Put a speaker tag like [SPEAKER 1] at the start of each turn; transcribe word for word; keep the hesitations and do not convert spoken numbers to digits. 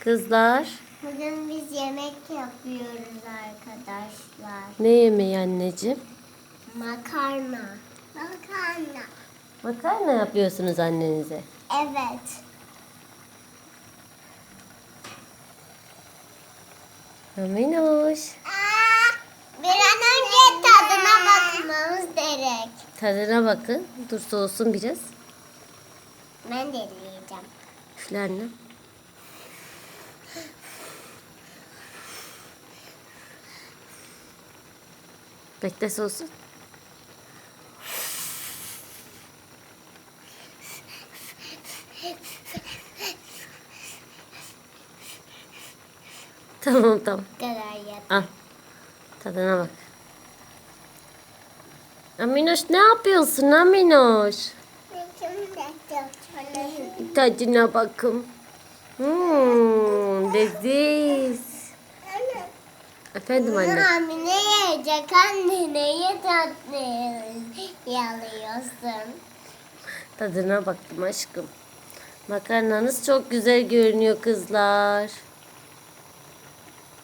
[SPEAKER 1] Kızlar,
[SPEAKER 2] Bugün biz yemek yapıyoruz arkadaşlar.
[SPEAKER 1] ne yemeği anneciğim?
[SPEAKER 2] Makarna. Makarna.
[SPEAKER 1] Makarna yapıyorsunuz annenize.
[SPEAKER 2] Evet.
[SPEAKER 1] Aminoş.
[SPEAKER 2] Aa, bir an önce tadına bakmamız gerek.
[SPEAKER 1] Tadına bakın. Dur soğusun biraz.
[SPEAKER 2] Ben de yiyeceğim.
[SPEAKER 1] Üfle annem. Bekle soğusun. Tamam tamam.
[SPEAKER 2] Bu kadar yeter.
[SPEAKER 1] Al. Tadına bak. Aminoş ne yapıyorsun Aminoş? Tadına bakın. Hmm, leziz. Efendim anne.
[SPEAKER 2] Hamile yiyecek anne. Neye tatlı yalıyorsun?
[SPEAKER 1] Tadına baktım aşkım. Makarnanız çok güzel görünüyor kızlar.